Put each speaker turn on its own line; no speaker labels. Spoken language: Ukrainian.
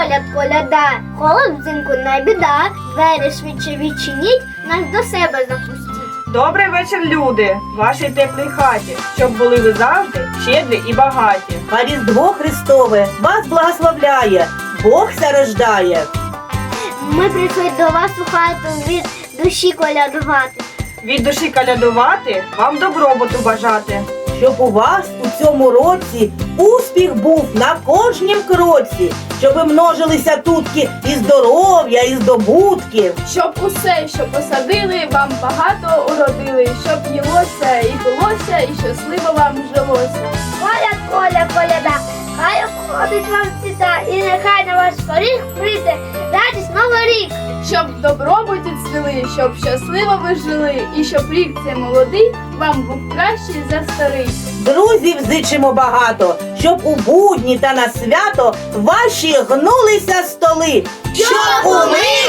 коляд, коляда, холод взимку не біда, двері швидше відчиніть, нас до себе запустіть.
Добрий вечір, люди, в вашій теплій хаті, щоб були ви завжди щедрі і багаті.
А Різдво Христове вас благословляє, Бог ся рождає.
Ми прийшли до вас у хату від душі колядувати.
Від душі колядувати, вам добробуту бажати.
Щоб у вас у цьому році успіх був на кожнім кроці, щоб множилися тутки і здоров'я, і здобутки.
Щоб усе, що посадили, вам багато уродили, щоб їлося і пилося, і щасливо вам жилося.
Коляд, коля, коляда, хай обходить вам світа, і нехай на ваш поріг прийде радість Новий рік.
Щоб в добробуті цвіли, щоб щасливо ви жили, і щоб рік цей молодий вам був кращий за старий.
Друзів зичимо багато, щоб у будні та на свято ваші гнулися столи. Щоб у мирі